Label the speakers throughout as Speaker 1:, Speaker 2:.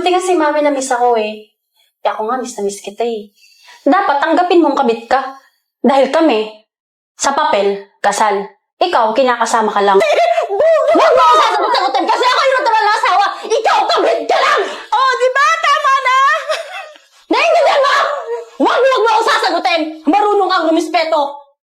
Speaker 1: Buti nga si mami na miss ako eh. Kaya ako nga miss na miss kita eh. Dapat tanggapin mong kabit ka. Dahil kami, sa papel, kasal. Ikaw, kinakasama ka lang. Huwag mo ako sasagot-sagutin kasi ako yung natural na asawa. Ikaw, kabit ka lang!
Speaker 2: Oh, di ba? Tama na!
Speaker 1: Naiintindihan mo! Huwag mo ako sasagutin! Marunong kang rumispeto!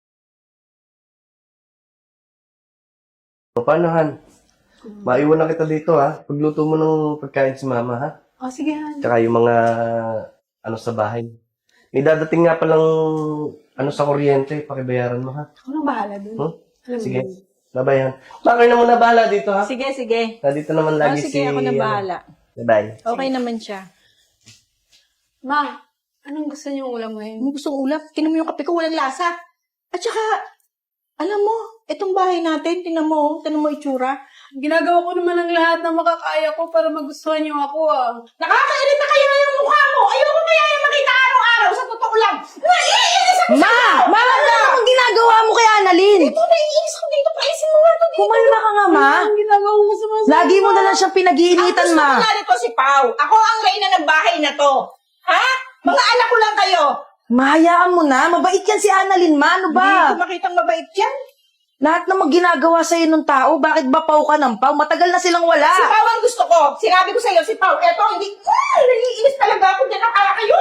Speaker 3: Paano, Han? Maiwan na kita dito, ha? Pagluto mo ng pagkain si Mama, ha?
Speaker 2: Oh, sige, Han.
Speaker 3: Tsaka yung mga sa bahay. May dadating nga palang sa kuryente. Pakibayaran mo, ha?
Speaker 2: Ako nang bahala dun.
Speaker 3: Hmm?
Speaker 2: Alam mo
Speaker 3: Sige.
Speaker 2: yun.
Speaker 3: Bye-bye, Han. Bakit na muna bahala dito, ha?
Speaker 2: Sige, sige.
Speaker 3: Nandito naman
Speaker 2: Oh,
Speaker 3: lagi
Speaker 2: sige, ako na bahala.
Speaker 3: Bye-bye.
Speaker 2: Okay naman siya. Ma, anong gusto niyong ulam ngayon? Anong gusto ulam? Tinan mo yung kape ko, walang lasa. At saka, alam mo, itong bahay natin, tinan mo itsura.
Speaker 4: Ginagawa ko naman ang lahat ng makakaya ko para magustuhan niyo ako ah.
Speaker 2: Nakakairit na kayo na yung mukha mo. Ayoko kaya yung makita araw-araw sa totoo lang. Naiinis ako sa Ma, ano akong ginagawa mo kay Annalyn? Ito, naiinis ako dito. Paisin mo nga ito dito. Kumalma ka nga, Ma.
Speaker 4: Ang ginagawa ko sa mga
Speaker 2: Lagi mo na lang siyang pinag-iinitan, Ma.
Speaker 5: Ang gusto ko nga nito si Pao. Ako ang reyna ng bahay na to. Ha? Mga anak ko lang kayo.
Speaker 2: Mahayaan mo na. Mabait yan si Annalyn, Ma. Ano
Speaker 5: Hindi
Speaker 2: ba?
Speaker 5: ko makitang mabait yan.
Speaker 2: Lahat na ginagawa sa'yo ng tao, bakit ba pau ka ng pau? Matagal na silang wala.
Speaker 5: Si Pao ang gusto ko. Sinabi ko sa'yo si Pao. Eto, hindi. Naiinis talaga ako dyan. Nakala kayo.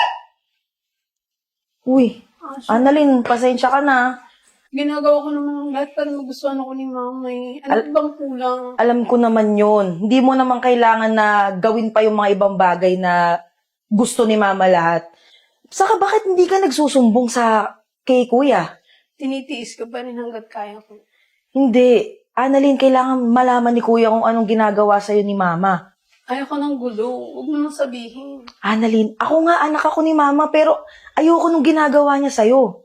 Speaker 2: Uy, Annalyn, pasensya ka na.
Speaker 4: ginagawa ko naman ang lahat para magustuhan ako ni mama eh. Ano bang kulang?
Speaker 2: Alam ko naman yon. Hindi mo naman kailangan na gawin pa yung mga ibang bagay na gusto ni Mama lahat. Saka bakit hindi ka nagsusumbong sa kay Kuya?
Speaker 4: Tinitiis ko pa rin hanggat kaya ko.
Speaker 2: Hindi. Annalyn, kailangan malaman ni Kuya kung anong ginagawa sa'yo ni Mama.
Speaker 4: Ayoko ng gulo. Huwag mo nang sabihin.
Speaker 2: Annalyn, ako nga anak ako ni Mama pero ayoko nung ginagawa niya sa'yo.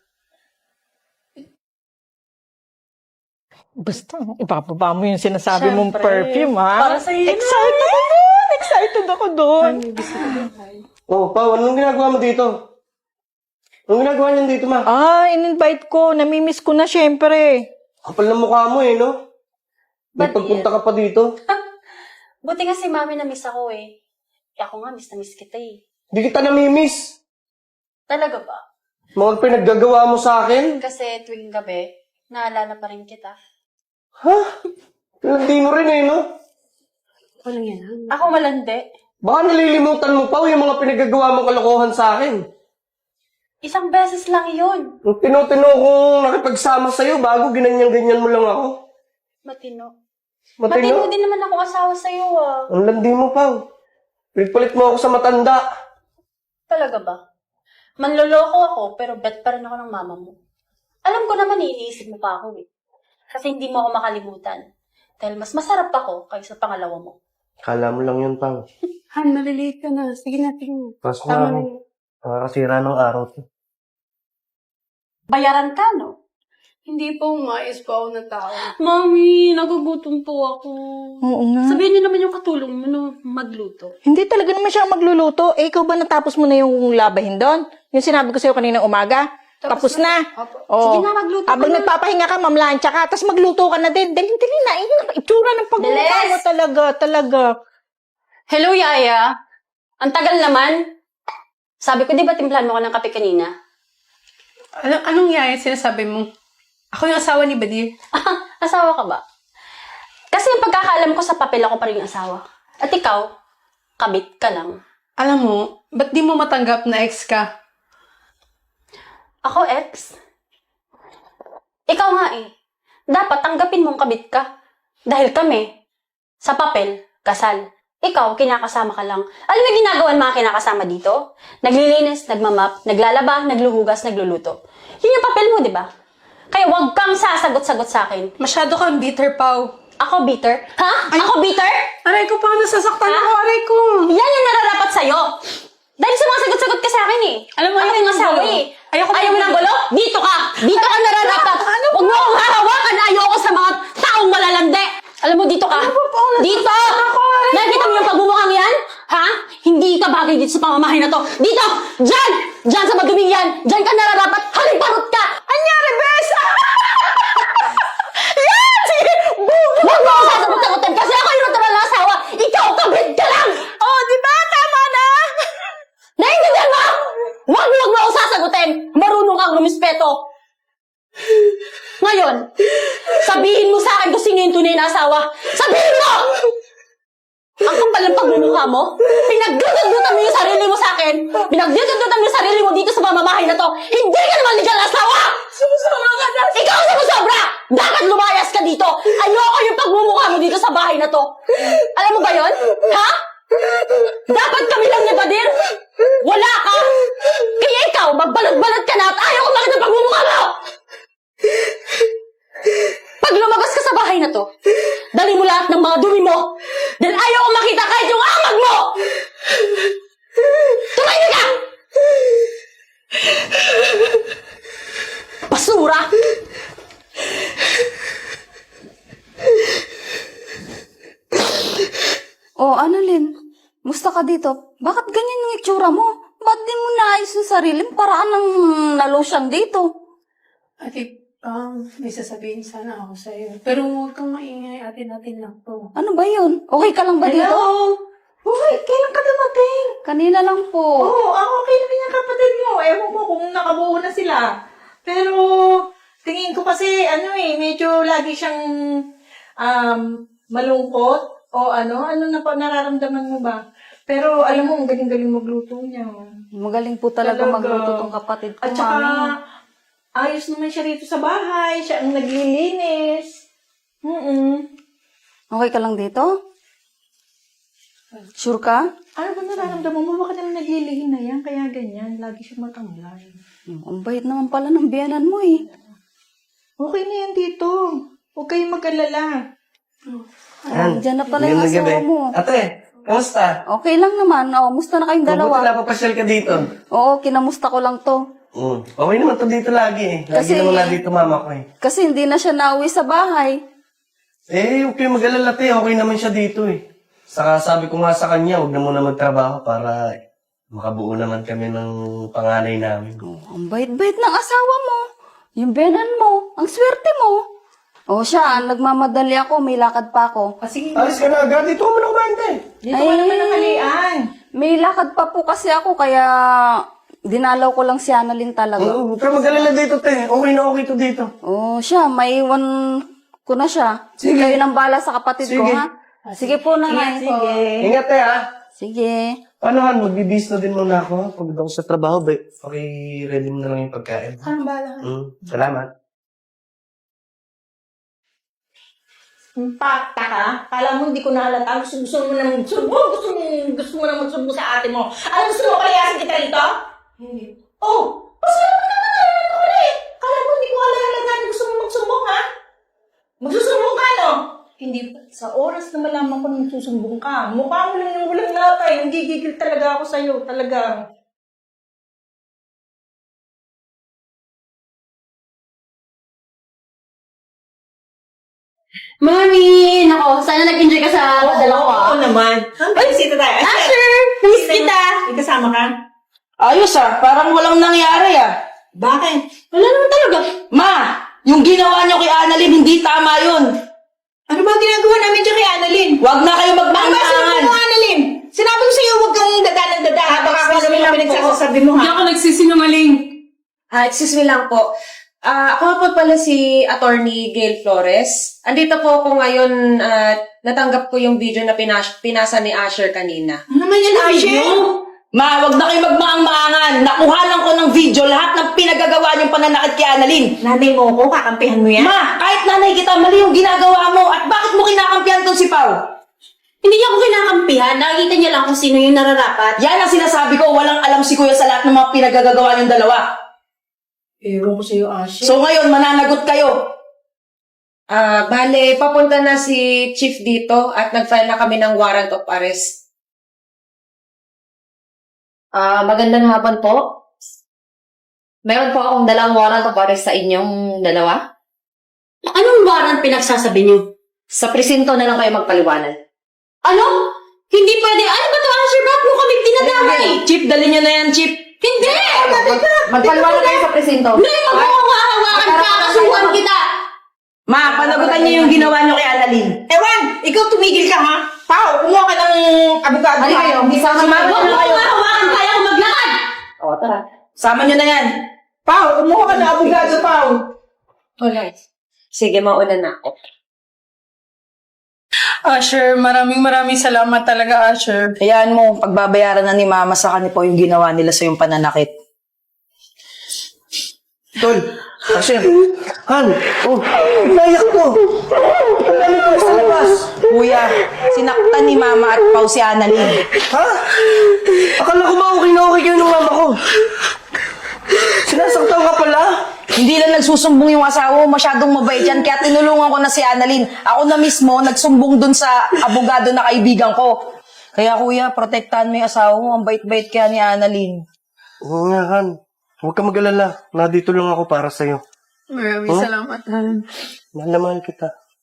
Speaker 6: Basta, ipapaba mo yung sinasabi mong
Speaker 4: Siyempre.
Speaker 6: perfume, ha?
Speaker 4: Para sa'yo yun.
Speaker 6: Excited ako doon! Excited ako doon!
Speaker 3: Oh, Pao, anong ginagawa mo dito? Anong ginagawa niyan dito, Ma?
Speaker 6: Ah, in-invite ko. Namimiss ko na, syempre.
Speaker 3: Kapal ng mukha mo, eh, no? May
Speaker 1: Ba't
Speaker 3: pagpunta ka pa dito.
Speaker 1: Buti nga si mami na miss ako eh. Kaya ako nga miss na miss kita eh.
Speaker 3: Hindi kita namimiss.
Speaker 1: Talaga ba?
Speaker 3: Mga pinaggagawa mo sa akin.
Speaker 1: Kasi tuwing gabi, naalala pa rin kita.
Speaker 3: Ha? Hindi mo rin, eh, no?
Speaker 4: Walang yan.
Speaker 1: Ako malandi.
Speaker 3: Baka nalilimutan mo pa yung mga pinaggagawa mong kalokohan sa akin.
Speaker 1: Isang beses lang yun.
Speaker 3: Nung tinutino kong nakipagsama sa'yo bago ginanyan-ganyan mo lang ako.
Speaker 1: Matino.
Speaker 3: Matino?
Speaker 1: Matino din naman ako asawa sa'yo ah.
Speaker 3: Ang landi mo, Pao. Pilit mo ako sa matanda.
Speaker 1: Talaga ba? Manloloko ako, pero bet pa rin ako ng mama mo. Alam ko naman, iniisip mo pa ako eh. Kasi hindi mo ako makalimutan. Dahil mas masarap ako kaysa pangalawa mo.
Speaker 3: Kala mo lang yun, Pao.
Speaker 4: Han, malilate ka na. Sige na, tingin.
Speaker 3: Pasok na
Speaker 4: Tama
Speaker 3: ako.
Speaker 4: na yun.
Speaker 3: Nakakasira ng araw to.
Speaker 1: Bayaran ka, no?
Speaker 4: Hindi po, umayos pa ako ng tao.
Speaker 1: Mami, nagugutom po ako.
Speaker 6: Oo nga.
Speaker 1: Sabihin niyo naman yung katulong mo na magluto.
Speaker 6: Hindi talaga naman siya magluluto. Eh, ikaw ba natapos mo na yung labahin doon? Yung sinabi ko sa'yo kaninang umaga? Tapos na.
Speaker 4: Opo.
Speaker 6: Oh.
Speaker 1: Sige na, magluto ka
Speaker 6: Habang
Speaker 1: na.
Speaker 6: nagpapahinga ka, mamlansya ka, tapos magluto ka na din. Dali na. Itsura ng pagmumukha
Speaker 1: Bilis!
Speaker 6: mo talaga.
Speaker 1: Hello, Yaya. Ang tagal naman. Sabi ko, di ba timplahan mo ka ng kape kanina?
Speaker 4: Anong yaya sinasabi mo? Ako yung asawa ni Badir.
Speaker 1: Asawa ka ba? Kasi yung pagkakaalam ko sa papel ako pa rin yung asawa. At ikaw, kabit ka lang.
Speaker 4: Alam mo, ba't di mo matanggap na ex ka?
Speaker 1: Ako, ex? Ikaw nga eh. Dapat tanggapin mong kabit ka. Dahil kami, sa papel, kasal. Ikaw, kinakasama ka lang. Alam mo yung ginagawa ng mga kinakasama dito? Naglilinis, nagmamap, naglalaba, nagluhugas, nagluluto. Yun yung papel mo, di ba? Kaya huwag kang sasagot-sagot sa akin.
Speaker 4: Masyado kang bitter, Pao.
Speaker 1: Ako bitter? Ha? Ako bitter?
Speaker 4: Aray ko, paano nasasaktan
Speaker 1: Ha?
Speaker 4: ako? Aray ko.
Speaker 1: Yan yung nararapat sa'yo. Dahil sa mga sagot-sagot ka sa akin eh.
Speaker 4: Alam mo,
Speaker 1: ako
Speaker 4: ayoko
Speaker 1: yung
Speaker 4: ng
Speaker 1: asawa
Speaker 4: gulo.
Speaker 1: eh.
Speaker 4: Ayoko
Speaker 1: Ayaw mo
Speaker 4: ng
Speaker 1: ng gulo? Dito ka! Dito ka nararapat! Huwag mo akong hahawakan! Ayoko sa mga taong malalandi! Alam mo, dito ka! Dito! Nakikita mo yung pagmumukhang yan? Ha? Hindi ka bagay dito sa pamamahay na to. Dito! Diyan! Diyan sa maduming yan! Diyan ka nararapat! Haliparot ka! Anyari, bes! Yan! Sige! Huwag mo ako sasagot-sagutin kasi ako yung natural na asawa! Ikaw, kabit ka lang!
Speaker 4: Oh, di
Speaker 1: eto. Ngayon, sabihin mo sa akin kung sino yung tunay na asawa. Sabihin mo! Ang kapal ng pagmumukha mo, pinagdududutan mo yung sarili mo sa akin, pinagdududutan mo yung sarili mo dito sa pamamahay na to, hindi ka naman legal na asawa! Sumusobra ka na! Ikaw ang sumusobra! Dapat lumayas ka dito! Ayoko yung pagmumukha mo dito sa bahay na to! Alam mo ba yon? Ha? Dapat kami lang ni Badir! Wala ka! Kaya ikaw, magbalot-balot ka na at ayaw ko makita ang pagmumukha mo! Pag lumabas ka sa bahay na to, dali mo lahat ng mga dumi mo. Dahil ayaw ko makita kahit yung amag mo! Tumahimik ka! Basura!
Speaker 7: Oh, Annalyn, musta ka dito? Bakit ganyan yung itsura mo? Ba't di mo naayos yung sarili mo? Paraan ng nalotion dito.
Speaker 4: Ate, may sasabihin sana ako sa'yo. Pero huwag kang maingay, natin lang to.
Speaker 7: Ano ba yun? Okay ka lang ba dito?
Speaker 2: Hello? Uy, kailan ka dumating?
Speaker 7: Kanina lang po.
Speaker 2: Oo, ako okay na yung kapatid mo. Ewan mo kung nakabuo na sila. Pero, tingin ko kasi, medyo lagi siyang malungkot. O ano na pa nararamdaman mo ba? Pero, alam mo, ang galing-galing magluto niya.
Speaker 7: Magaling po talaga
Speaker 2: Talaga.
Speaker 7: magluto tong kapatid ko,
Speaker 2: At saka,
Speaker 7: mami.
Speaker 2: ayos naman siya rito sa bahay. Siya ang naglilinis.
Speaker 7: Okay ka lang dito? Sure ka?
Speaker 2: Ano ba nararamdaman mo? Bakit naman naglilihin na yan? Kaya ganyan. Lagi siya matamlay.
Speaker 7: Ang bait naman pala ng biyanan mo eh.
Speaker 2: Okay na yan dito. Huwag kayong mag-alala.
Speaker 7: Diyan na pala yung
Speaker 3: Magandang
Speaker 7: asawa
Speaker 3: gabi.
Speaker 7: mo.
Speaker 3: Ate, kamusta?
Speaker 7: Okay lang naman. Oh, musta na kayong
Speaker 3: Mabuti
Speaker 7: dalawa?
Speaker 3: napapasyal ka dito.
Speaker 7: Oo, kinamusta ko lang to.
Speaker 3: Okay naman to dito lagi eh. Lagi
Speaker 7: Kasi-
Speaker 3: naman na dito mama ko eh.
Speaker 7: Kasi hindi na siya nauwi sa bahay.
Speaker 3: Huwag kayong mag-alala te. Okay naman siya dito eh. Saka sabi ko nga sa kanya, huwag na muna magtrabaho para makabuo naman kami ng panganay namin.
Speaker 7: Oh, ang bait-bait ng asawa mo. Yung benan mo. Ang swerte mo. Oh, siya, nagmamadali ako. May lakad pa ako.
Speaker 2: Sige,
Speaker 3: Alis ka na agad. Dito ka muna kumain te.
Speaker 2: dito ka naman ang halian.
Speaker 7: May lakad pa po kasi ako, kaya dinalaw ko lang si Annalyn talaga.
Speaker 3: Huwag ka mag-alala dito te. Okay na okay to dito.
Speaker 7: Oh, siya, may iwan ko na siya.
Speaker 3: Sige.
Speaker 7: Kayo nang bala sa kapatid ko,
Speaker 3: Sige.
Speaker 7: ha? Sige po, nanay.
Speaker 2: Sige.
Speaker 3: Ingat te ha.
Speaker 7: Sige.
Speaker 3: Paano Han? Magbibis na din muna ako. Pagod ako sa trabaho, ready mo na lang yung pagkain.
Speaker 2: Anong bala?
Speaker 3: Salamat.
Speaker 2: Pakta ka? Kala mo hindi ko nahalata. Gusto mo na magsubo. Gusto mo na magsubo sa ate mo. Ano gusto mo palayasin kita rito? Hindi. Oh! Pasalamat ka naman ako rin. Kala mo hindi ko nahalata na gusto mo magsumbong, ha? Magsusumbong ka, no? Hindi. Sa oras na malaman ko na magsusumbong ka, mukha mo lang yung walang latay. Hindi gigil talaga ako sa'yo. Talagang.
Speaker 1: Mami! Nako, sana nag-enjoy ka sa padala ko
Speaker 5: Oo naman. Ay, bisita tayo.
Speaker 1: Asher! Miss kita!
Speaker 5: May kasama ka?
Speaker 6: Ayos parang walang nangyari
Speaker 5: Bakit?
Speaker 1: Wala naman talaga.
Speaker 6: Ma, yung ginawa niyo kay Annalyn, hindi tama yun.
Speaker 5: Ano ba ang ginagawa namin dyan kay Annalyn?
Speaker 6: Huwag na kayo
Speaker 5: Ano ba sinabi
Speaker 6: magmaangangan.
Speaker 5: mo, Annalyn? Sinabi ko sa'yo, huwag kang dada ng dada. Baka ako naman ang pinagsasabi mo,
Speaker 4: Hindi
Speaker 5: ha?
Speaker 4: ako nagsisinungaling.
Speaker 8: Excuse me lang po. Ako po pala si Attorney Gail Flores. Andito po ako ngayon at natanggap ko yung video na pinasa ni Asher kanina.
Speaker 5: Ano naman yan, Asher?
Speaker 6: Ma, huwag na kayo magmaang-maangan. Nakuha lang ko ng video lahat ng pinagagawa niyong pananakit kay Annalyn.
Speaker 5: Nanay mo ko, kakampihan mo yan?
Speaker 6: Ma, kahit nanay kita, mali yung ginagawa mo. At bakit mo kinakampihan tong si Pao?
Speaker 1: Hindi niya ako kinakampihan. Nakikita niya lang kung sino yung nararapat.
Speaker 6: Yan ang sinasabi ko, walang alam si Kuya sa lahat ng mga pinagagagawa niyong dalawa.
Speaker 2: Ewan ko sa'yo, Asher.
Speaker 6: So ngayon, mananagot kayo.
Speaker 8: Bale, papunta na si Chief dito at nag-file na kami ng warrant of arrest.
Speaker 9: Magandang hapon po. Meron po akong dalang warrant of arrest sa inyong dalawa.
Speaker 1: Anong warrant pinagsasabi niyo?
Speaker 9: Sa presinto na lang kayo magpaliwanag.
Speaker 1: Ano? Hindi pwede. Ano ba to, Asher? Ba't mo kami dinadamay?
Speaker 6: Chief, dali niyo na yan, Chief.
Speaker 1: Hindi!
Speaker 9: Magpaliwanag kayo sa presinto.
Speaker 1: May magkakahawakan ka, kasuhan kita!
Speaker 6: Ma, panagutan niyo yung ginawa niyo kay Annalyn.
Speaker 5: Ewan, ikaw tumigil ka, ha? Pao, kumuha ka ng abogado.
Speaker 9: Halika kayo, isama
Speaker 1: Huwag
Speaker 9: namin
Speaker 1: mo hawakan, kaya ako maglakad!
Speaker 9: O, tara.
Speaker 6: Sama niyo na yan.
Speaker 5: Pao, kumuha ka ng abogado, Pao.
Speaker 8: Wala. Sige, mauna na ako.
Speaker 4: Asher, maraming salamat talaga, Asher.
Speaker 6: Hayaan mo, pagbabayaran na ni Mama sa kanila po yung ginawa nila sa yung pananakit.
Speaker 3: Tol, Asher, Han, oh, naiyak ko. Ang dami ko sa labas.
Speaker 6: Kuya, sinaktan ni Mama at Pao si Annalyn.
Speaker 3: Ha? Akala ko ba okay na okay kayo ng mama ko? Sinasaktan ka pala?
Speaker 6: Hindi lang nagsusumbong yung asawa mo, masyadong mabait yan, kaya tinulungan ko na si Annalyn. Ako na mismo, nagsumbong dun sa abogado na kaibigan ko. Kaya kuya, protektahan mo yung asawa mo, ang bait-bait kaya ni Annalyn.
Speaker 3: Oo nga, Han. Huwag ka mag-alala. Nandito lang ako para sa'yo.
Speaker 4: Maraming salamat, Han.
Speaker 3: Mahal na mahal kita.